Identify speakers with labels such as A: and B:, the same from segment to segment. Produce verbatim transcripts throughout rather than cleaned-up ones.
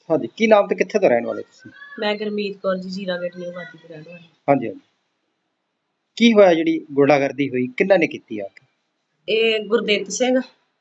A: हाँ जी, की नाम ते कित्थे दे रहण वाले तुसीं?
B: मैं गुरमीत कौर जी, जीरा गेट न्यू वादी ਦੀ ਰਹਿਣ ਵਾਲੀ।
A: हाँ जी, हाँ जी। ਕੀ ਹੋਇਆ ਜਿਹੜੀ ਗੁੰਡਾਗਰਦੀ ਹੋਈ, ਕਿਹਨਾਂ ਨੇ ਕੀਤੀ ਆ ਕੇ?
B: ਇਹ ਗੁਰਦਿੱਤ ਸਿੰਘ,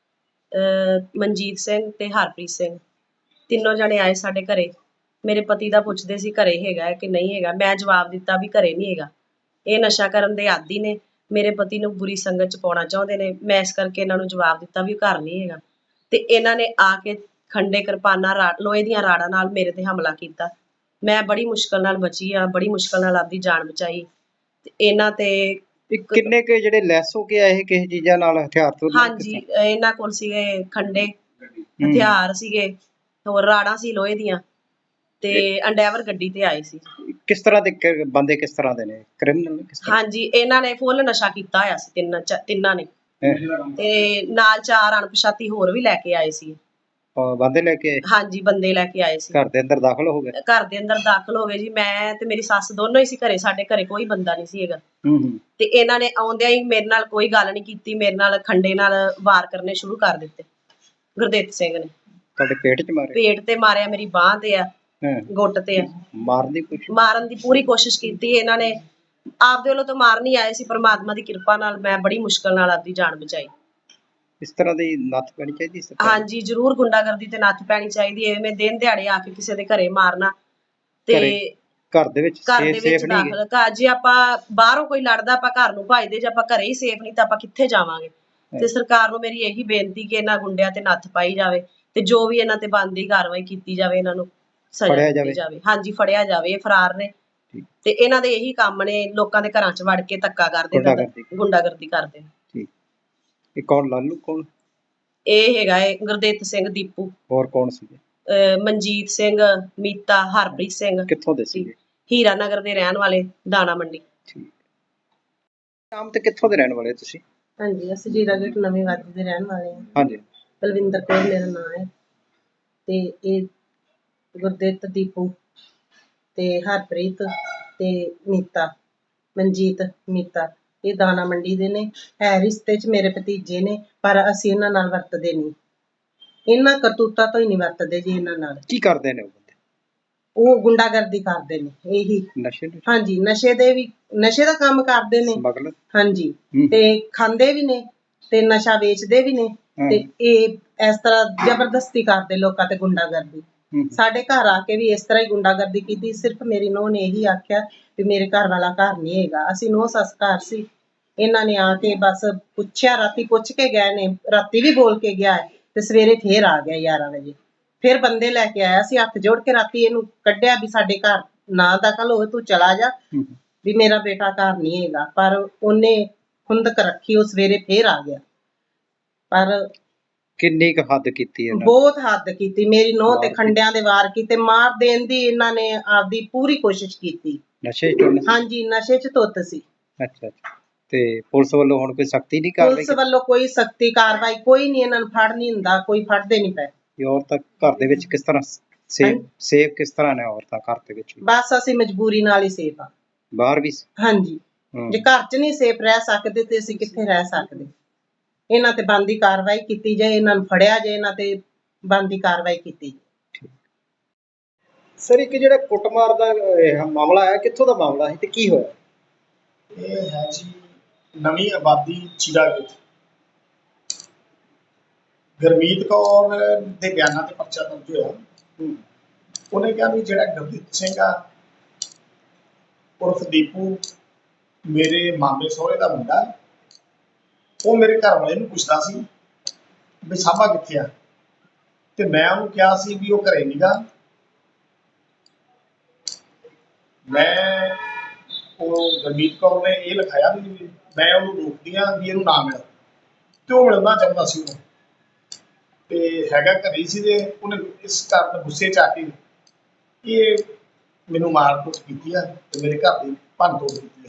B: ਅਹ ਮਨਜੀਤ ਸਿੰਘ ਤੇ ਹਰਪ੍ਰੀਤ ਸਿੰਘ ਤਿੰਨੋਂ ਜਣੇ ਆਏ ਸਾਡੇ ਘਰੇ। ਮੇਰੇ ਪਤੀ ਦਾ ਪੁੱਛਦੇ ਸੀ ਘਰੇ ਹੈਗਾ ਕਿ ਨਹੀਂ ਹੈਗਾ। ਮੈਂ ਜਵਾਬ ਦਿੱਤਾ ਵੀ ਘਰੇ ਨਹੀਂ ਹੈਗਾ। ਇਹ ਨਸ਼ਾ ਕਰਨ ਦੇ ਆਦੀ ਨੇ, ਮੇਰੇ ਪਤੀ ਨੂੰ ਬੁਰੀ ਸੰਗਤ ਚ ਪਾਉਣਾ ਚਾਹੁੰਦੇ ਨੇ। ਮੈਂ ਇਸ ਕਰਕੇ ਇਹਨਾਂ ਨੂੰ ਜਵਾਬ ਦਿੱਤਾ ਵੀ ਘਰ ਨਹੀਂ ਹੈਗਾ। ਤੇ ਇਹਨਾਂ ਨੇ ਆ ਕੇ ਖੰਡੇ ਕਿਰਪਾਨਾਂ ਰਾ ਲੋਹੇ ਦੀਆਂ ਰਾੜਾਂ ਨਾਲ ਮੇਰੇ ਤੇ ਹਮਲਾ ਕੀਤਾ। ਮੈਂ ਬੜੀ ਮੁਸ਼ਕਲ ਨਾਲ ਬਚੀ ਆ, ਬੜੀ ਮੁਸ਼ਕਲ ਨਾਲ ਆਪਦੀ ਜਾਨ ਬਚਾਈ। ਤੇ ਇਹਨਾਂ ਤੇ
A: ਇਹ ਕਿੰਨੇ ਕੁ ਜਿਹੜੇ ਲੈਸ ਹੋ ਕੇ ਆਏ ਕਿਸੇ ਚੀਜ਼ਾਂ ਨਾਲ, ਹਥਿਆਰ ਤੋਂ?
B: ਹਾਂਜੀ, ਇਹਨਾਂ ਕੋਲ ਸੀਗੇ ਖੰਡੇ, ਹਥਿਆਰ ਸੀਗੇ, ਹੋਰ ਰਾੜਾਂ ਸੀ ਲੋਹੇ ਦੀਆਂ ਤੇ ਅੰਡੈਵਰ ਗੱਡੀ ਤੇ ਆਏ ਸੀ।
A: ਕਿਸ ਤਰ੍ਹਾਂ ਦੇ ਕ- ਬੰਦੇ ਕਿਸ ਤਰ੍ਹਾਂ ਦੇ ਨੇ? ਕ੍ਰਿਮੀਨਲ ਕਿਸ ਤਰ੍ਹਾਂ?
B: ਹਾਂਜੀ, ਇਹਨਾਂ ਨੇ ਫੁੱਲ ਨਸ਼ਾ ਕੀਤਾ ਹੋਇਆ ਸੀ ਤਿੰਨ ਚ- ਤਿੰਨਾਂ ਨੇ।
A: ਹੈਂ?
B: ਤੇ ਨਾਲ ਚਾਰ ਅਣਪਛਾਤੀ ਹੋਰ ਵੀ ਲੈ ਕੇ ਆਏ ਸੀ।
A: ਅਹ ਬੰਦੇ ਲੈ ਕੇ ਆਏ?
B: ਹਾਂਜੀ, ਬੰਦੇ ਲੈ ਕੇ ਆਏ ਸੀ।
A: ਘਰ ਦੇ ਅੰਦਰ ਦਾਖਲ ਹੋ ਗਏ?
B: ਘਰ ਦੇ ਅੰਦਰ ਦਾਖਲ ਹੋ ਗਏ ਜੀ। ਮੈਂ ਤੇ ਮੇਰੀ ਸੱਸ ਦੋਨੋਂ ਹੀ ਸੀ ਘਰੇ, ਸਾਡੇ ਘਰੇ ਕੋਈ ਬੰਦਾ ਨਹੀਂ ਸੀ ਹੈਗਾ।
A: ਹੂੰ ਹੂੰ।
B: ਤੇ ਇਹਨਾਂ ਨੇ ਆਉਂਦਿਆਂ ਹੀ ਮੇਰੇ ਨਾਲ ਕੋਈ ਗੱਲ ਨਹੀਂ ਕੀਤੀ, ਮੇਰੇ ਨਾਲ ਖੰਡੇ ਨਾਲ ਵਾਰ ਕਰਨੇ ਸ਼ੁਰੂ ਕਰ ਦਿੱਤੇ। ਗੁਰਦਿੱਤ ਸਿੰਘ ਨੇ
A: ਤੁਹਾਡੇ ਪੇਟ 'ਚ ਮਾਰੇ?
B: ਪੇਟ ਤੇ ਮਾਰਿਆ, ਮੇਰੀ ਬਾਂਹ ਤੇ ਆ,
A: ਹਾਂ।
B: ਗੁੱਟ ਤੇ ਆ।
A: ਮਾਰਨ ਦੀ ਕੋਸ਼ਿਸ਼?
B: ਮਾਰਨ ਦੀ ਪੂਰੀ ਕੋਸ਼ਿਸ਼ ਕੀਤੀ ਇਹਨਾਂ ਨੇ। ਆਪਦੇ ਵੱਲੋਂ ਤਾਂ ਮਾਰ ਨਹੀਂ ਆਏ ਸੀ, ਪਰਮਾਤਮਾ ਦੀ ਕਿਰਪਾ ਨਾਲ ਮੈਂ ਬੜੀ ਮੁਸ਼ਕਲ ਨਾਲ ਆਪਦੀ ਜਾਨ ਬਚਾਈ।
A: ਇਸ ਤਰ੍ਹਾਂ ਦੀ ਨੱਥ ਪੈਣੀ ਚਾਹੀਦੀ ਸਰਕਾਰ?
B: ਹਾਂਜੀ, ਜ਼ਰੂਰ ਗੁੰਡਾਗਰਦੀ ਤੇ ਨੱਥ ਪੈਣੀ ਚਾਹੀਦੀ ਹੈ। ਐਵੇਂ ਦਿਨ ਦਿਹਾੜੇ ਆ ਕੇ ਕਿਸੇ ਦੇ ਘਰੇ ਮਾਰਨਾ ਤੇ
A: ਘਰ ਦੇ ਵਿੱਚ
B: ਘਰ ਦੇ ਵਿੱਚ ਦਾਖਲ ਘਰ ਜੇ ਆਪਾਂ ਬਾਹਰੋਂ ਕੋਈ ਲੜਦਾ ਆਪਾਂ ਘਰ ਨੂੰ ਭੱਜਦੇ, ਜੇ ਆਪਾਂ ਘਰੇ ਹੀ ਸੇਫ ਨਹੀਂ ਤਾਂ ਆਪਾਂ ਕਿੱਥੇ ਜਾਵਾਂਗੇ। ਤੇ ਸਰਕਾਰ ਨੂੰ ਮੇਰੀ ਇਹੀ ਬੇਨਤੀ ਕਿ ਇਹਨਾਂ ਗੁੰਡਿਆਂ ਤੇ ਨੱਥ ਪਾਈ ਜਾਵੇ ਤੇ ਜੋ ਵੀ ਇਹਨਾਂ ਤੇ ਬਣਦੀ ਕਾਰਵਾਈ ਕੀਤੀ ਜਾਵੇ, ਇਹਨਾਂ ਨੂੰ ਸਜ਼ਾ ਦਿੱਤੀ ਜਾਵੇ। ਹਾਂਜੀ, ਫੜਿਆ ਜਾਵੇ। ਇਹ ਫਰਾਰ ਨੇ ਤੇ ਇਹਨਾਂ ਦੇ ਇਹੀ ਕੰਮ ਨੇ, ਲੋਕਾਂ ਦੇ ਘਰਾਂ 'ਚ ਵੜ ਕੇ ਧੱਕਾ ਕਰਦੇ, ਗੁੰਡਾਗਰਦੀ ਕਰਦੇ।
A: ਠੀਕ। ਇਹ ਕੌਣ? ਲਾਲੂ ਕੌਣ?
B: ਇਹ ਹੈਗਾ ਏ ਗੁਰਦਿੱਤ ਸਿੰਘ, ਦੀਪੂ।
A: ਹੋਰ ਕੌਣ ਸੀਗੇ?
B: ਅਹ ਮਨਜੀਤ ਸਿੰਘ, ਮੀਤਾ, ਹਰਪ੍ਰੀਤ ਸਿੰਘ।
A: ਕਿੱਥੋਂ ਦੇ ਸੀਗੇ?
B: ਹੀਰਾ ਨਗਰ ਦੇ ਰਹਿਣ ਵਾਲੇ, ਦਾਣਾ ਮੰਡੀ।
A: ਠੀਕ। ਨਾਮ ਤੇ ਕਿੱਥੋਂ ਦੇ ਰਹਿਣ ਵਾਲੇ ਤੁਸੀਂ?
B: ਹਾਂਜੀ, ਅਸੀਂ ਜੀਰਾ ਗੇਟ ਨਵੀਂ ਵਾਦੀ ਦੇ ਰਹਿਣ ਵਾਲੇ ਹਾਂ।
A: ਹਾਂਜੀ।
B: ਬਲਵਿੰਦਰ ਕੌਰ ਮੇਰਾ ਨਾਂ ਹੈ ਤੇ ਇਹ ਗੁਰਦਿੱਤ, ਦੀਪੂ ਤੇ ਹਰਪ੍ਰੀਤ ਤੇ ਮੀਤਾ, ਮਨਜੀਤ, ਮੀਤਾ, ਇਹ ਦਾਣਾ ਮੰਡੀ ਦੇ ਨੇ। ਹੈ ਰਿਸ਼ਤੇ 'ਚ ਮੇਰੇ ਭਤੀਜੇ ਨੇ, ਪਰ ਅਸੀਂ ਇਹਨਾਂ ਨਾਲ ਵਰਤਦੇ ਨਹੀਂ। ਇਹਨਾਂ ਕਰਤੂਤਾਂ ਤੋਂ ਹੀ ਨਹੀਂ ਵਰਤਦੇ ਜੀ ਇਹਨਾਂ ਨਾਲ।
A: ਕੀ ਕਰਦੇ ਨੇ ਉਹ ਬੰਦੇ?
B: ਉਹ ਗੁੰਡਾਗਰਦੀ ਕਰਦੇ ਨੇ। ਇਹੀ
A: ਨਸ਼ੇ?
B: ਹਾਂਜੀ, ਨਸ਼ੇ ਦੇ ਵੀ, ਨਸ਼ੇ ਦਾ ਕੰਮ ਕਰਦੇ ਨੇ।
A: ਸਮਗਲਰ?
B: ਹਾਂਜੀ, ਤੇ ਖਾਂਦੇ ਵੀ ਨੇ ਤੇ ਨਸ਼ਾ ਵੇਚਦੇ ਵੀ ਨੇ। ਤੇ ਇਹ ਇਸ ਤਰ੍ਹਾਂ ਜ਼ਬਰਦਸਤੀ ਕਰਦੇ ਲੋਕਾਂ ਤੇ ਗੁੰਡਾਗਰਦੀ। ਸਾਡੇ ਘਰ ਆ ਕੇ ਵੀ ਇਸ ਤਰ੍ਹਾਂ ਹੀ ਗੁੰਡਾਗਰਦੀ ਕੀਤੀ। ਸਿਰਫ ਮੇਰੀ ਨੂੰਹ ਨੇ ਇਹੀ ਆਖਿਆ ਵੀ ਮੇਰੇ ਘਰ ਵਾਲਾ ਘਰ ਨਹੀਂ ਹੈਗਾ। ਅਸੀਂ ਨੂੰਹ ਸੱਸ ਘਰ ਸੀ। ਇਹਨਾਂ ਨੇ ਆ ਕੇ ਬਸ ਪੁੱਛਿਆ, ਰਾਤੀ ਪੁੱਛ ਕੇ ਗਏ ਨੇ, ਰਾਤੀ ਵੀ ਬੋਲ ਕੇ ਗਿਆ ਤੇ ਸਵੇਰੇ ਫੇਰ ਆ ਗਿਆ ਗਿਆਰਾਂ ਵਜੇ। ਫਿਰ ਬੰਦੇ ਲੈ ਕੇ ਆਇਆ ਸੀ, ਹੱਥ ਜੋੜ ਕੇ ਰਾਤੀ ਇਹਨੂੰ ਕੱਢਿਆ ਵੀ ਸਾਡੇ ਘਰ ਨਾ ਦਖਲ ਹੋਵੇ, ਤੂੰ ਚਲਾ ਜਾ, ਵੀ ਮੇਰਾ ਬੇਟਾ ਘਰ ਨਹੀਂ ਹੈਗਾ। ਪਰ ਉਹਨੇ ਖੁੰਦਕ ਰੱਖੀ, ਉਹ ਸਵੇਰੇ ਫੇਰ ਆ ਗਿਆ। ਪਰ
A: ਕਿੰਨੀ ਕੁ ਹੱਦ ਕੀਤੀ ਹੈ?
B: ਬਹੁਤ ਹੱਦ ਕੀਤੀ। ਮੇਰੀ ਨੂੰਹ ਤੇ ਖੰਡਿਆਂ ਦੇ ਵਾਰ ਕੀਤੇ, ਮਾਰ ਦੇਣ ਦੀ ਇਹਨਾਂ ਨੇ ਆਪਦੀ ਪੂਰੀ ਕੋਸ਼ਿਸ਼ ਕੀਤੀ।
A: ਨਸ਼ੇ 'ਚ?
B: ਹਾਂਜੀ, ਨਸ਼ੇ 'ਚ ਧੁੱਤ ਸੀ।
A: ਅੱਛਾ ਅੱਛਾ। ਤੇ ਪੁਲਿਸ ਵੱਲੋਂ ਹੁਣ ਕੋਈ ਸਖਤੀ ਨਹੀਂ ਕਰ ਰਹੀ?
B: ਪੁਲਿਸ ਵੱਲੋਂ ਕੋਈ ਸਖਤੀ ਕਾਰਵਾਈ ਕੋਈ ਨਹੀਂ, ਇਹਨਾਂ ਨੂੰ ਫੜ ਨਹੀਂ ਹੁੰਦਾ, ਕੋਈ ਫੜਦੇ ਨਹੀਂ ਪਏ।
A: ਔਰਤਾਂ ਘਰ ਦੇ ਵਿੱਚ ਕਿਸ ਤਰ੍ਹਾਂ ਸੇਫ ਸੇਫ ਕਿਸ ਤਰ੍ਹਾਂ ਨੇ ਔਰਤਾਂ ਘਰ ਦੇ ਵਿੱਚ?
B: ਬਸ ਅਸੀਂ ਮਜਬੂਰੀ ਨਾਲ ਹੀ ਸੇਫ ਆ।
A: ਬਾਹਰ ਵੀ?
B: ਹਾਂਜੀ, ਜੇ ਘਰ 'ਚ ਨਹੀਂ ਸੇਫ ਰਹਿ ਸਕਦੇ ਤੇ ਅਸੀਂ ਕਿੱਥੇ ਰਹਿ ਸਕਦੇ। ਇਹਨਾਂ ਤੇ ਬਣਦੀ ਕਾਰਵਾਈ ਕੀਤੀ ਜਾਏ, ਇਹਨਾਂ ਨੂੰ ਫੜਿਆ ਜਾਏ, ਇਹਨਾਂ ਤੇ ਬਣਦੀ ਕਾਰਵਾਈ ਕੀਤੀ ਜਾਏ।
A: ਸਰ, ਇੱਕ ਜਿਹੜਾ ਕੁੱਟਮਾਰ ਦਾ ਮਾਮਲਾ ਹੈ, ਕਿੱਥੋਂ ਦਾ ਮਾਮਲਾ ਹੈ ਤੇ ਕੀ ਹੋਇਆ?
C: ਇਹ ਹੈ ਜੀ ਨਵੀਂ ਆਬਾਦੀ, ਜੀਰਾ ਗੇਟ। ਗੁਰਮੀਤ ਕੌਰ ਦੇ ਬਿਆਨਾਂ ਤੇ ਪਰਚਾ ਦਰਜ ਹੋਇਆ। ਉਹਨੇ ਕਿਹਾ ਵੀ ਜਿਹੜਾ ਗੁਰਦੀਪ ਸਿੰਘ ਆ ਉਰਫ ਦੀਪੂ, ਮੇਰੇ ਮਾਮੇ ਸਹੁਰੇ ਦਾ ਮੁੰਡਾ, ਉਹ ਮੇਰੇ ਘਰ ਵਾਲੇ ਨੂੰ ਪੁੱਛਦਾ ਸੀ ਵੀ ਸਾਬਾ ਕਿੱਥੇ ਆ। ਤੇ ਮੈਂ ਉਹਨੂੰ ਕਿਹਾ ਸੀ ਵੀ ਉਹ ਘਰੇ ਨੀਗਾ। ਮੈਂ ਉਹ ਗੁਰਮੀਤ ਕੌਰ ਨੇ ਇਹ ਲਿਖਾਇਆ ਵੀ ਮੈਂ ਉਹਨੂੰ ਰੋਕਦੀ ਹਾਂ ਵੀ ਇਹਨੂੰ ਨਾ ਮਿਲ, ਤੇ ਉਹ ਮਿਲਣਾ ਚਾਹੁੰਦਾ ਸੀ ਉਹਨੂੰ, ਤੇ ਹੈਗਾ ਘਰੇ ਸੀ। ਤੇ ਉਹਨੇ ਇਸ ਕਾਰਨ ਗੁੱਸੇ 'ਚ ਆ ਕੇ ਇਹ ਮੈਨੂੰ ਮਾਰ ਕੁੱਟ ਕੀਤੀ ਆ ਤੇ ਮੇਰੇ ਘਰ ਦੀ ਭੰਨ ਤੋੜ ਕੀਤੀ ਆ।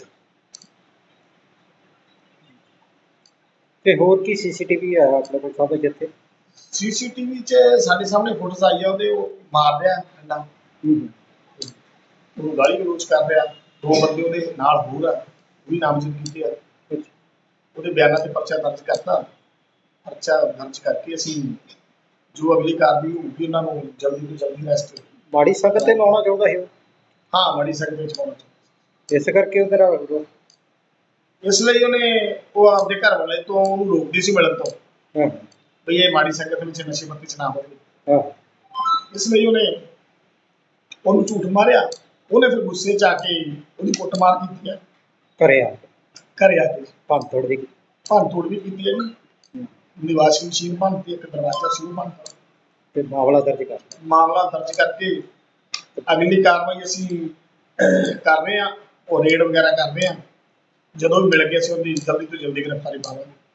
A: ਤੇ ਹੋਰ ਕੀ ਸੀਸੀਟੀਵੀ ਆ ਆਪਣੇ ਕੋਲ ਸਭ ਜਿੱਥੇ?
C: ਸੀਸੀਟੀਵੀ 'ਚ ਸਾਡੇ ਸਾਹਮਣੇ ਫੁਟੇਜ ਆਈ ਆ, ਉਹਦੇ ਉਹ ਮਾਰ ਰਿਹਾ ਡੰਡਾ, ਉਹਨੂੰ ਗਾਲੀ ਗਲੋਚ ਕਰ ਰਿਹਾ। ਦੋ ਬੰਦੇ ਉਹਦੇ ਨਾਲ ਹੋਰ ਆ, ਉਹ ਵੀ ਨਾਮਜ਼ਦ ਕੀਤੇ ਆ। ਉਹਦੇ ਬਿਆਨਾਂ ਤੇ ਪਰਚਾ ਦਰਜ ਕਰਤਾ। ਪਰਚਾ ਦਰਜ ਕਰਕੇ ਅਸੀਂ ਜੋ ਅਗਲੀ ਕਾਰਵਾਈ ਹੋਊਗੀ ਉਹਨਾਂ ਨੂੰ ਜਲਦੀ ਤੋਂ ਜਲਦੀ ਅਰੈਸਟ।
A: ਮਾੜੀ ਸੰਗਤ ਤੇ ਲਾਉਣਾ ਚਾਹੁੰਦਾ ਸੀ ਉਹ,
C: ਹਾਂ ਮਾੜੀ ਸੰਗਤ ਵਿੱਚ ਪਾਉਣਾ ਚਾਹੁੰਦਾ
A: ਇਸ ਕਰਕੇ ਉਹ ਤੇਰਾ ਵਿਰੋਧ।
C: ਇਸ ਲਈ ਉਹਨੇ ਉਹ ਆਪਦੇ ਘਰ ਵਾਲੇ ਤੋਂ ਉਹਨੂੰ ਰੋਕਦੀ ਸੀ ਮਿਲਣ ਤੋਂ,
A: ਹਾਂ
C: ਬਈ ਇਹ ਮਾੜੀ ਸੰਗਤ ਵਿੱਚ ਨਸ਼ੇ ਪੱਤੇ ਚ ਨਾ ਹੋਵੇ।
A: ਹਾਂ
C: ਇਸ ਲਈ ਉਹਨੇ ਉਹਨੂੰ ਝੂਠ ਮਾਰਿਆ। ਉਹਨੇ ਫਿਰ ਗੁੱਸੇ ਚ ਆ ਕੇ ਉਹਦੀ ਕੁੱਟਮਾਰ ਕੀਤੀ ਹੈ,
A: ਘਰੇ ਆ
C: ਘਰੇ ਆ ਕੇ
A: ਭੰਨ ਤੋੜ ਵੀ
C: ਭੰਨ ਤੋੜ ਵੀ ਕੀਤੀ ਹੈ ਜੀ। ਉਹਦੀ ਵਾਸ਼ਿੰਗ ਮਸ਼ੀਨ ਭੰਨਤੀ, ਇੱਕ ਦਰਵਾਜ਼ਾ ਸੀ ਉਹ ਭੰਨਤਾ।
A: ਤੇ ਮਾਮਲਾ ਦਰਜ ਕਰ
C: ਮਾਮਲਾ ਦਰਜ ਕਰਕੇ ਅਗਲੀ ਕਾਰਵਾਈ ਅਸੀਂ ਕਰ ਰਹੇ ਹਾਂ, ਉਹ ਰੇਡ ਵਗੈਰਾ ਕਰ ਰਹੇ ਹਾਂ। ਜਦੋਂ ਵੀ ਮਿਲ ਗਏ ਅਸੀਂ ਉਹਦੀ ਜਲਦੀ ਤੋਂ ਜਲਦੀ ਗ੍ਰਿਫਤਾਰੀ ਪਾਵਾਂਗੇ।